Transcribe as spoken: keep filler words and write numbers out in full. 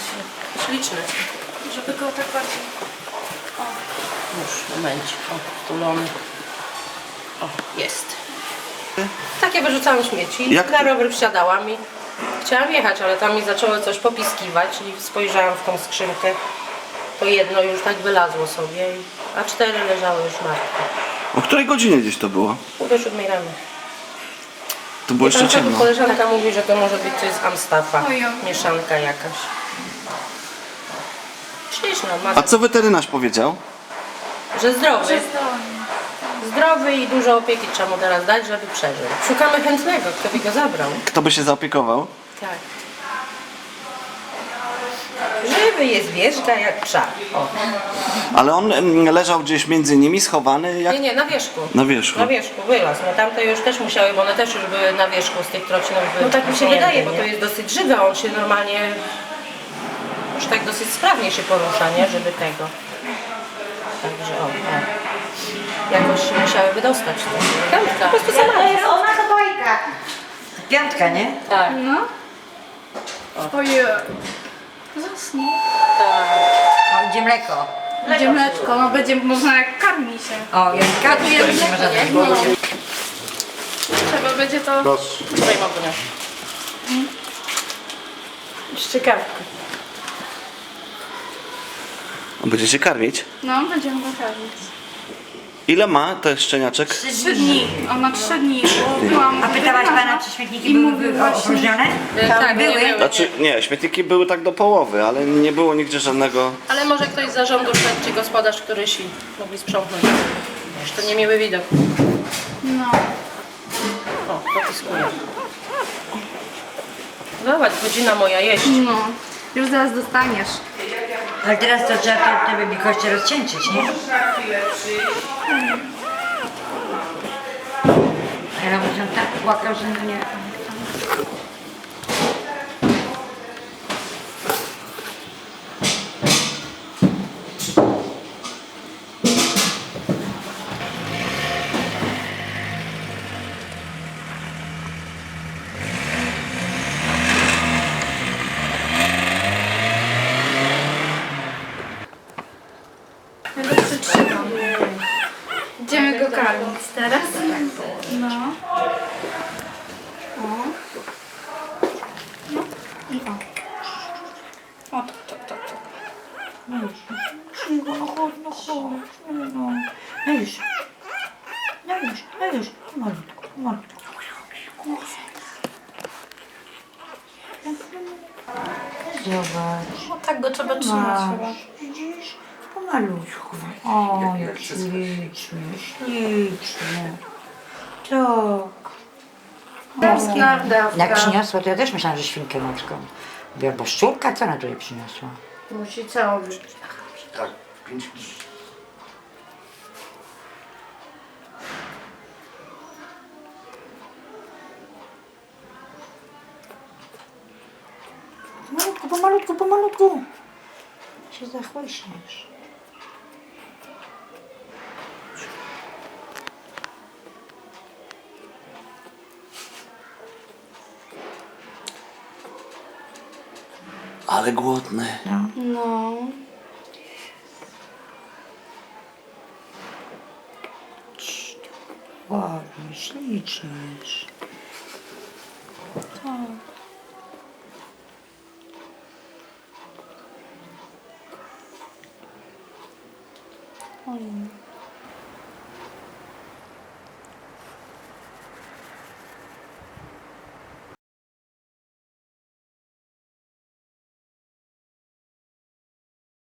Śliczny. Żeby go tak bardziej... O. Już, momencik. O, wtulony. O, jest. Takie wyrzucałam śmieci. Jak? Na rower wsiadałam i chciałam jechać, ale tam mi zaczęło coś popiskiwać i spojrzałam w tą skrzynkę. To jedno już tak wylazło sobie, a cztery leżały już martwe. O której godzinie gdzieś to było? Pół do siódmej rano. To było jeszcze Tam ciemno. koleżanka mówi, że to może być coś z Amstafa. Ojoj. Mieszanka jakaś. Śliczna, A ma, co weterynarz powiedział? że zdrowy. Zdolnie. Zdrowy i dużo opieki trzeba mu teraz dać, żeby przeżył. Szukamy chętnego, kto by go zabrał. Kto by się zaopiekował? Tak. Żywy jest wierzga jak psa. O. Ale on mm, leżał gdzieś między nimi, schowany jak... Nie, nie, na wierzchu. Na wierzchu. Na wierzchu, wylazł. No tamte już też musiały, bo one też już były na wierzchu z tych trocinów. No tak mi się wyciągnięte, wydaje, bo nie? to jest dosyć żywe, on się normalnie już tak dosyć sprawnie się porusza, nie? Żeby tego. Także o, o. Jakoś się musiały wydostać. Piątka. Po prostu sama. To jest ona, to bajka. Piątka, nie? Tak, No. Ojej. Zasnął. tak. O, idzie mleko. Będzie mleczko, no będzie można jak karmi się. O, jak kartki, to już nie można dać, bo... No. Trzeba będzie to... Tutaj Magunia. Szczekawki. Będziecie karmić? No, będziemy go karmić. Ile ma to jest szczeniaczek? Trzy dni. On ma trzy dni, bo byłam... A pytałaś pana, czy śmietniki I były mówił wy- właśnie- opróżnione? Tak, nie były. były. Znaczy, nie, śmietniki były tak do połowy, ale nie było nigdzie żadnego... Ale może ktoś z zarządu szedł, czy gospodarz, któryś i mogli sprzątnąć. Wiesz, to nie miły widok. No. O, popiskuje. Zobacz, godzina moja jeść. No. Już zaraz dostaniesz. Ale teraz to trzeba te, te wielkości rozcieńczyć, nie? Ale on się tak płakał, że no nie... Ja go przytrzymam. Idziemy go karmić teraz. No. O. No i o. O, to, to, to, to. No już, no chodź, no chodź, no, no. No już. No już, no już. Pomalutku, pomalutku. Zobacz. No tak go trzeba trzymać chyba. Masz, widzisz? Pomalutku. O, jak ślicznie, ślicznie. Tak. Tęskna Jak przyniosła, to ja też myślałam, że świnkę ludzką. Mówię, bo szczurka, co ona tutaj przyniosła? Musi całą być. Tak, pięć minut. Pomalutku, pomalutku, pomalutku. Się zachłyśniesz. Ale głodny. No. Ładnie, ślicznie. Oj.